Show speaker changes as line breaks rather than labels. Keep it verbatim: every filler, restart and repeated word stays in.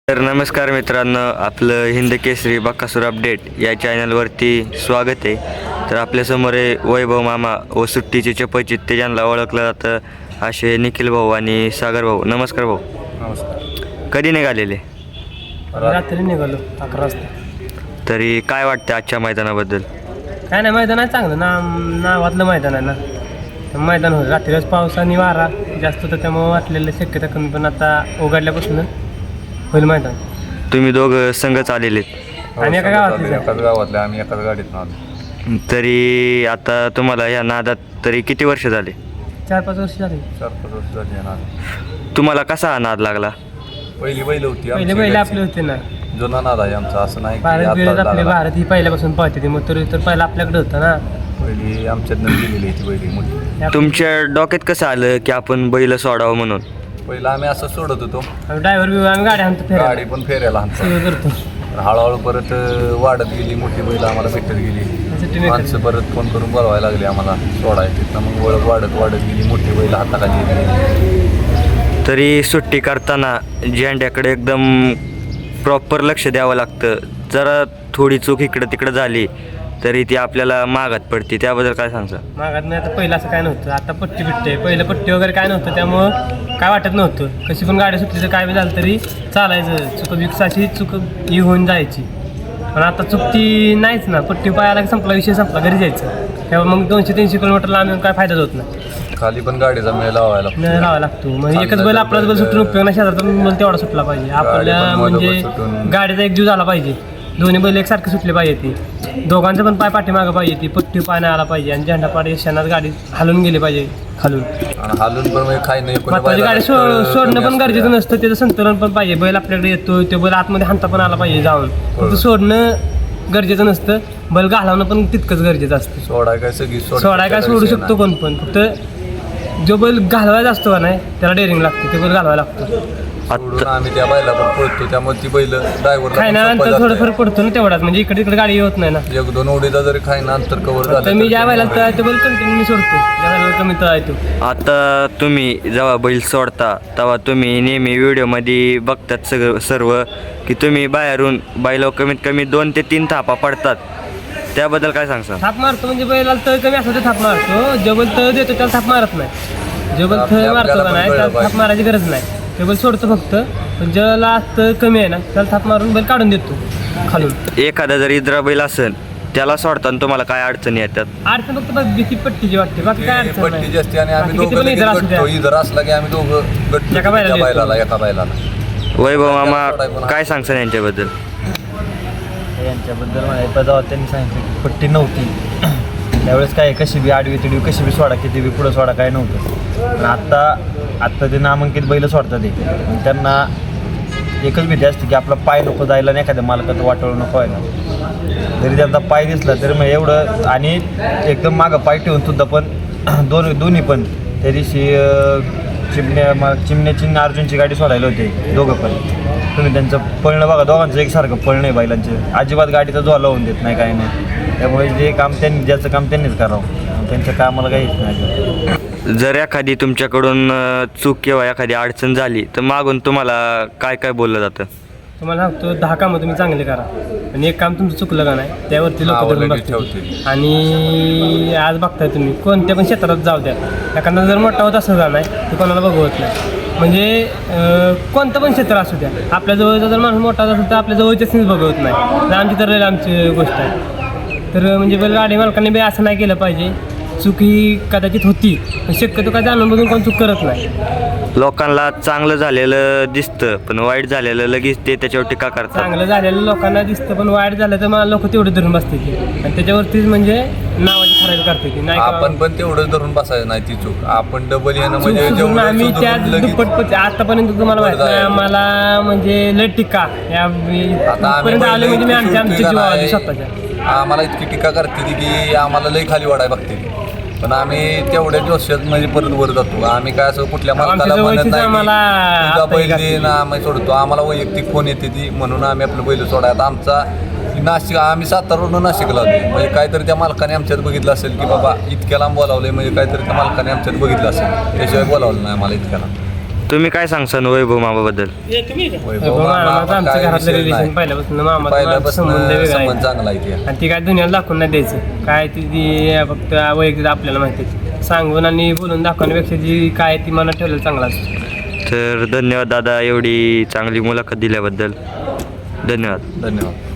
तर नमस्कार मित्रांनो, आपलं हिंद केसरी बकासूर अपडेट या चॅनलवरती स्वागत आहे. तर आपल्यासमोर आहे वैभव मामा व सुट्टीचे चपचित ते ज्यांना ओळखलं जातं असे निखिल भाऊ आणि सागर भाऊ. नमस्कार भाऊ.
नमस्कार.
कधी निघालेले?
रात्री निघालो अकरा वाजता.
तरी काय वाटतं आजच्या मैदानाबद्दल?
काय नाही, मैदान आहे चांगलं ना, नावातलं मैदान आहे ना. मैदान होतं रात्रीच, पाऊस आणि वारा जास्त होतं त्यामुळे वाटलेलं शक्यता कमी, पण आता उघडल्यापासून होईल मैदान.
तुम्ही दोघं संघच आलेले
आणि एका गावातले
एकाच गावातले आम्ही एकाच गाडीत आलो.
तरी आता तुम्हाला या नादात तरी किती वर्ष झाले?
चार पाच वर्ष झाली.
चार पाच वर्ष झाली नाद.
तुम्हाला कसा हा नाद लागला?
पहिली बैल होती
पहिले
आमची
पहिले
घरची.
आपले होते ना
जुना नाद आहे आमचा, असं नाही की
भारत
आत्ताच
बिरत आपले,
लागला.
भारत ही पहिल्यापासून पाहते ती, मग तर तर पहिला आपल्याकडे होतं ना.
पहिली आमच्यातनं गेलेली ती पहिली मोठी.
तुमच्या डोक्यात कसं आलं की आपण बैल सोडावं म्हणून?
पहिला आम्ही असं सोडत होतो,
ड्रायव्हर बिवर आम्ही गाडी आणतो फिरायला,
गाडी पण फेरायला आणतो.
सगळं करतो.
तर हळूहळू परत वाढत गेली मोठी बैल, आम्हाला भेटत गेली.
सुट्टी नाही
माणसं परत फोन करून बोलवायला लागली आम्हाला सोडायची. तर मग ओळख वाढत वाढत गेली, मोठी बैल हाताखाली गेली.
तरी सुट्टी करताना झेंड्याकडे एकदम प्रॉपर लक्ष द्यावं लागतं. जरा थोडी चूक इकडं तिकडं झाली तरी ती आपल्याला मागात पडते, त्याबद्दल काय सांगता?
मागात नाही, आता पहिलं असं काय नव्हतं, आता पट्टी बिट्टी आहे. पहिलं पट्टी वगैरे काय नव्हतं त्यामुळं काय वाटत नव्हतं. कशी पण गाडी सुटली तर काय बी झालं तरी चालायचं, चुक विकसाची चुक ही होऊन जायची. पण आता चुकती नाहीच ना, पट्टी पायाला संपला, विषय संपला, घरी जायचं. तेव्हा मग दोनशे तीनशे किलोमीटरला आम्ही काय फायदाच होत नाही.
खाली पण गाडीचा मेळ लावायला
न लावायला लागतो. मग एकच बैल आपलाच बैल सुटून उपयोग नाही, शेजारचा बैल तेवढा सुटला पाहिजे आपल्या,
पण
म्हणजे
मधोमध सुटून-
गाडीचा एक जीव झाला पाहिजे. दोन्ही बैल एकसारखे सुटले पाहिजे, ती दोघांचं पण पाय पाठीमागं पाहिजे, ती पट्टी पाय नाही आला पाहिजे आणि झेंडा पाडी क्षणात गाडी हलून गेली पाहिजे खालून.
आणि हालून पण म्हणजे खाई नाही कोणी
महत्वाची
बैलाला
गाडी सो
कमी
सोडणं पण
असतं
गरजेचं
त्या.
नसतं, त्याचं संतुलन पण पाहिजे. बैल आपल्याकडे येतो, ते बैल आतमध्ये हाणता पण आला पाहिजे जाऊन. फक्त सोडणं गरजेचं नसतं, बैल घालवणं पण तितकंच गरजेचं असतं.
सोडाय काय सगळी सोड-
सोडाय काय सोडू शकतो कोण पण, फक्त जो बैल घालवायचा असतो का नाही त्याला डेअरिंग लागते, ते बैल घालवायला लागतो.
सोडून आम्ही त्या बैला पण पळतो, त्यामुळे ती बैल ड्रायव्हरला
खायनानंतर थोडं फरक पडतो ना तेवढाच, म्हणजे इकडे इकडे गाडी होत नाही ना.
एक दोन उडीचा जरी खायना अंतर कव्हर झालं
तर मी
तर
ज्या
ते
वेळेला
बैल-
तळायचं बैल कंटिन्यू मी सोडतो, ज्या वेळेला कमी तळायचो.
आता तुम्ही जेव्हा बैल सोडता तेव्हा तुम्ही नेहमी व्हिडिओमध्ये बघतात सगळं सर्व की तुम्ही बाहेरून बैलावर कमीत कमी दोन ते तीन थापा पडतात, त्याबद्दल काय सांगता?
थाप मारतो म्हणजे बैलाला तळ कमी असतो ते थाप मारतो, जो बैल तळ देतो त्याला थाप मारत नाही. जो बैल
आपल्या-
तळ मारतो
आपल्याला
का
पण
नाही
कळलं
त्याला थाप
पाहिजे.
मारायची गरज नाही, ते बैल सोडतो फक्त. पण ज्याला तळ कमी आहे ना त्याला थाप मारून बैल काढून देतो खालून.
एखादा जर इद्रा बैल असेल त्याला सोडताना तुम्हाला काय अडचणी येतात?
अडचण फक्त बस भीती पट्टीची वाटते, बाकी काय
ती
अडचण
पट्टी
नाही.
जास्ती आणि आम्ही
बाकी किती
दोघं
पण
लगेच
इतर असू द्या.
गट्टो. इधर असला की आम्ही दोघं गट्टो
एका बैलाला
त्या
देतो.
बैलाला एका बैलाला.
वैभव मामा काय सांगसान यांच्याबद्दल?
यांच्याबद्दल माहिती जेव्हा त्यांनी सांगितलं की पट्टी नव्हती त्यावेळेस काय कशी बी आडवी तिडवी कशी बी सोडा किती बी पुढं सोडा काय नव्हतं. पण आत्ता आत्ता ते नामांकित बैल सोडतात ते, पण त्यांना एकच भीती असते की आपला पाय नको जायला आणि एखाद्या मालकाचं वाटवलं नको व्हायला. जरी त्यांचा पाय दिसला तरी मग एवढं, आणि एकदम मागं पाय ठेवून सुद्धा पण दोन दोन्ही पण त्या दिवशी अं, चिमण्या मा चिमण्याची आणि अर्जुनची गाडी सोडायला होते दोघं पण. तुम्ही त्यांचं पळणं बघा, दोघांचं एकसारखं पळणं आहे बैलांचं, अजिबात गाडीचा जोला लावून देत नाही काय नाही. त्यामुळे जे काम त्यांनी ज्याचं काम त्यांनीच करावं, त्यांच्या कामाला काहीच नाही.
जर एखादी तुमच्याकडून अ, चूक किंवा एखादी अडचण झाली तर मागून तुम्हाला काय काय बोललं जातं?
तुम्हाला सांगतो दहा कामं तुम्ही चांगले करा आणि एक काम तुमचं चुकलं का नाही त्यावरती लोक
नावं
धरून
लगेच
बसतील.
ठेवतील.
आणि आज बघताय तुम्ही कोणत्या पण क्षेत्रात जाऊ द्या, एखादा जर मोठा होत असं नाही ते कोणाला बघवत नाही. म्हणजे अं, कोणतं पण क्षेत्र असू द्या, आपल्या जवळचा जर माणूस मोठा असेल तर आपल्या जवळच्याच बघवत नाही. तर आमची तर आमची गोष्ट आहे. तर म्हणजे बैलगाडी मालकांनी बी असं नाही केलं पाहिजे. चूक ही कदाचित होती, पण शक्यतो काय जाणून बघून कोण चूक करत नाही.
लोकांना चांगलं झालेलं दिसतं पण वाईट झालेलं लगेच ते त्याच्यावर टीका करतात.
चांगलं झालेलं लोकांना दिसतं पण वाईट झालं तर मला लोक तेवढे धरून बसते ती आणि त्याच्यावरतीच म्हणजे नावाची खराबी करते ती. नाही का
आपण पण तेवढंच धरून बसायचं नाही ती चूक. आपण डबल येणं म्हणजे
चूक
जेवढं
आम्ही
सुधरून
त्या
लगेच-
दुप्पट आतापर्यंत तुम्हाला माहिती नाही आम्हाला म्हणजे लय टीका या
आता आम्ही
पर्यंत आले म्हणजे मी
इतकी
आमच्या आमच्या
सुट्टी
जीवावर
नाही.
स्वतःच्या.
आम्हाला इतकी टीका करते ती की आम्हाला लई खाली वाढाय बघते ती. पण आम्ही तेवढ्या जोशात म्हणजे परत वर जातो. आम्ही काय असं कुठल्या
आमच्या
मालकाला म्हणत
जवळचीच
नाही
आम्हाला
की तुझा
आता
बैल
हे
दे ना, आम्ही सोडतो. आम्हाला वैयक्तिक फोन येते ती म्हणून आम्ही आपलं बैल सोडायला. आमचा नाशिक, आम्ही सातारावरून नाशिकला होतो. म्हणजे काहीतरी त्या मालकाने आमच्यात बघितलं असेल की बाबा इतक्या लांब बोलावलं, म्हणजे काहीतरी त्या मालकाने आमच्यात बघितलं असेल, त्याशिवाय बोलावलं नाही आम्हाला इतक्या लांब.
तुम्ही काय सांगसान वैभव मामाबद्दल?
वैभव
मामा
मामा
आमच्या
काय
घरातलं
विषय
रिलेशन
नाही.
पहिल्यापासून मामा
पहिल्यापासून
संबंध वेगळा
संबंध
आहे.
चांगला आहे ते.
आणि ती काय दुनियाला दाखवून नाही द्यायचं काय ती ती फक्त वैयक्तिक आपल्याला माहिती आहे. सांगून आणि बोलून दाखवण्यापेक्षा जी काय ती मनात ठेवलेलं चांगलं असतं.
तर धन्यवाद दादा एवढी चांगली मुलाखत दिल्याबद्दल. धन्यवाद.
धन्यवाद.